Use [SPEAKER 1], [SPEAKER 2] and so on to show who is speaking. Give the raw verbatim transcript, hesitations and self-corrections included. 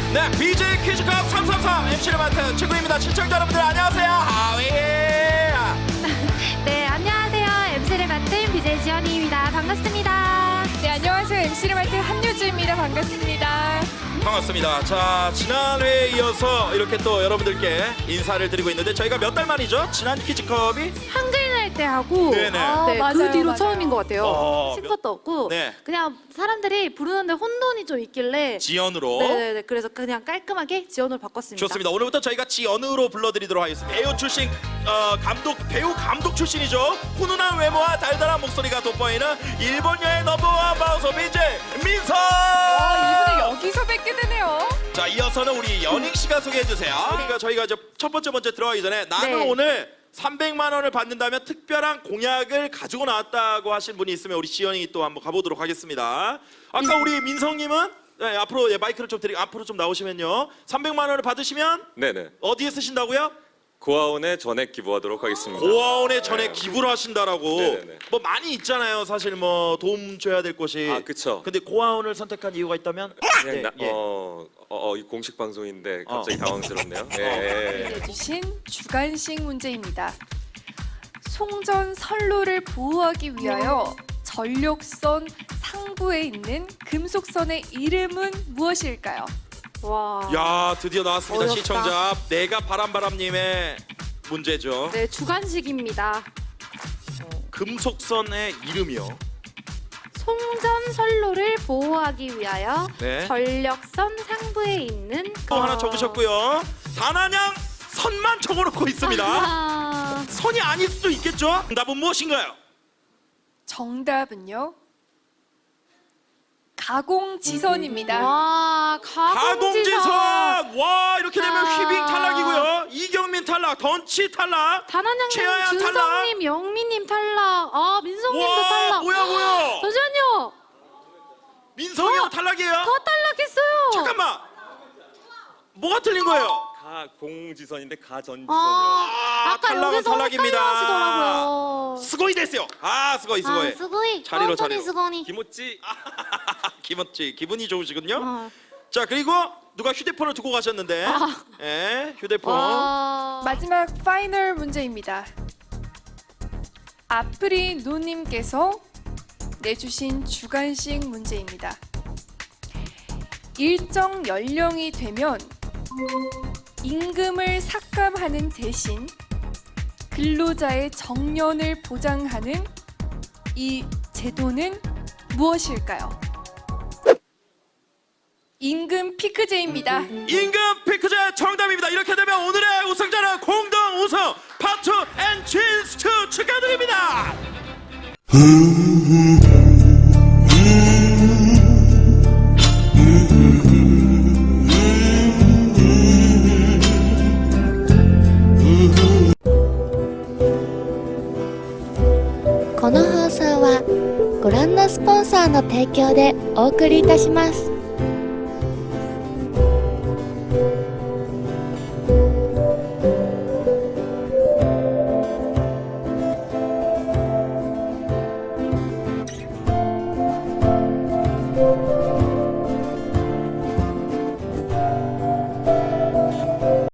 [SPEAKER 1] 네, 비제이 퀴즈컵 삼삼삼 엠씨를 맡은 친구입니다. 시청자 여러분들 안녕하세요. 하위.
[SPEAKER 2] 네, 안녕하세요. 엠씨를 맡은 비제이 지연이입니다. 반갑습니다.
[SPEAKER 3] 네, 안녕하세요. 엠씨를 맡은 한유주입니다. 반갑습니다.
[SPEAKER 1] 반갑습니다. 자, 지난 회에 이어서 이렇게 또 여러분들께 인사를 드리고 있는데 저희가 몇 달 만이죠? 지난 퀴즈컵이
[SPEAKER 2] 한글 날 때 하고
[SPEAKER 1] 네네.
[SPEAKER 3] 아,
[SPEAKER 2] 네,
[SPEAKER 3] 맞아요,
[SPEAKER 2] 그 뒤로
[SPEAKER 3] 맞아요.
[SPEAKER 2] 처음인 것 같아요.
[SPEAKER 1] 어,
[SPEAKER 2] 신 것도 없고
[SPEAKER 1] 네.
[SPEAKER 2] 그냥 사람들이 부르는데 혼돈이 좀 있길래
[SPEAKER 1] 지연으로.
[SPEAKER 2] 네네네. 그래서 그냥 깔끔하게 지연으로 바꿨습니다.
[SPEAKER 1] 좋습니다. 오늘부터 저희가 지연으로 불러드리도록 하겠습니다. 배우 출신, 어, 감독, 배우 감독 출신이죠. 훈훈한 외모와 달달한 목소리가 돋보이는 일본 여의 넘버원 마우서 비제이 민서.
[SPEAKER 3] 아, 이분을 여기서 뵙게 되네요.
[SPEAKER 1] 자, 이어서는 우리 연익 씨가 소개해 주세요. 그러니까 저희가 이제 첫 번째 번째 들어가기 전에 나는
[SPEAKER 2] 네.
[SPEAKER 1] 오늘 삼백만 원을 받는다면 특별한 공약을 가지고 나왔다고 하신 분이 있으면 우리 지연이 또 한번 가보도록 하겠습니다. 아까 우리 민성님은 네, 앞으로 예, 마이크를 좀 드리고 앞으로 좀 나오시면요. 삼백만 원을 받으시면
[SPEAKER 4] 네네.
[SPEAKER 1] 어디에 쓰신다고요?
[SPEAKER 4] 고아원에 전액 기부하도록 하겠습니다.
[SPEAKER 1] 고아원에 전에
[SPEAKER 4] 네.
[SPEAKER 1] 기부를 하신다라고.
[SPEAKER 4] 네네네.
[SPEAKER 1] 뭐 많이 있잖아요. 사실 뭐 도움 줘야 될 곳이.
[SPEAKER 4] 아, 그쵸.
[SPEAKER 1] 근데 고아원을 선택한 이유가 있다면?
[SPEAKER 4] 그냥
[SPEAKER 1] 네,
[SPEAKER 4] 나,
[SPEAKER 1] 예.
[SPEAKER 4] 어, 어, 어, 이 공식 방송인데 갑자기
[SPEAKER 1] 어.
[SPEAKER 4] 당황스럽네요. 예.
[SPEAKER 3] 내주신 주간식 문제입니다. 송전 선로를 보호하기 위하여 전력선 상부에 있는 금속선의 이름은 무엇일까요?
[SPEAKER 2] 와.
[SPEAKER 1] 야, 드디어 나왔습니다.
[SPEAKER 2] 어렵다.
[SPEAKER 1] 시청자 내가 바람바람님의 문제죠.
[SPEAKER 2] 네, 주간식입니다.
[SPEAKER 1] 금속선의 이름이요.
[SPEAKER 2] 송전 선로를 보호하기 위하여
[SPEAKER 1] 네.
[SPEAKER 2] 전력선 상부에 있는
[SPEAKER 1] 또 하나 적으셨고요. 단한양 선만 적어놓고 있습니다.
[SPEAKER 2] 아,
[SPEAKER 1] 선이 아닐 수도 있겠죠. 정답은 무엇인가요?
[SPEAKER 3] 정답은요. 가공지선입니다.
[SPEAKER 2] 와, 가공지선.
[SPEAKER 1] 가공지선. 와, 이렇게 되면
[SPEAKER 2] 아.
[SPEAKER 1] 휘빙 탈락이고요. 이경민 탈락, 던치 탈락.
[SPEAKER 2] 단한양님,
[SPEAKER 1] 최하연
[SPEAKER 2] 준성님, 영미님 탈락. 아, 민성님도
[SPEAKER 1] 와,
[SPEAKER 2] 탈락.
[SPEAKER 1] 뭐야 뭐야.
[SPEAKER 2] 잠시만요.
[SPEAKER 1] 민성이 형 탈락이에요.
[SPEAKER 2] 다 탈락했어요.
[SPEAKER 1] 잠깐만. 뭐가 틀린 거예요?
[SPEAKER 4] 가공지선인데 가전지선이요.
[SPEAKER 2] 아,
[SPEAKER 1] 아,
[SPEAKER 2] 아까
[SPEAKER 1] 탈락은
[SPEAKER 2] 여기서
[SPEAKER 1] 탈락입니다.
[SPEAKER 2] 헷갈려하시더라고요.
[SPEAKER 1] 스고이 됐어요. 아, 스고이 스고이.
[SPEAKER 2] 아, 스고이.
[SPEAKER 1] 자리로,
[SPEAKER 2] 뻔뻔히
[SPEAKER 1] 자리로.
[SPEAKER 2] 스고니.
[SPEAKER 4] 김오찌.
[SPEAKER 1] 기분지 기분이 좋으시군요.
[SPEAKER 2] 아.
[SPEAKER 1] 자, 그리고 누가 휴대폰을 두고 가셨는데, 예, 휴대폰.
[SPEAKER 2] 와.
[SPEAKER 3] 마지막 파이널 문제입니다. 아프리 노님께서 내주신 주간식 문제입니다. 일정 연령이 되면 임금을 삭감하는 대신 근로자의 정년을 보장하는 이 제도는 무엇일까요? 임금 피크제입니다.
[SPEAKER 1] 임금 피크제 정답입니다. 이렇게 되면 오늘의 우승자는 공동 우승 파트 앤 진스트 축하드립니다.
[SPEAKER 5] この放送はご覧のスポンサーの提供でお送りいたします。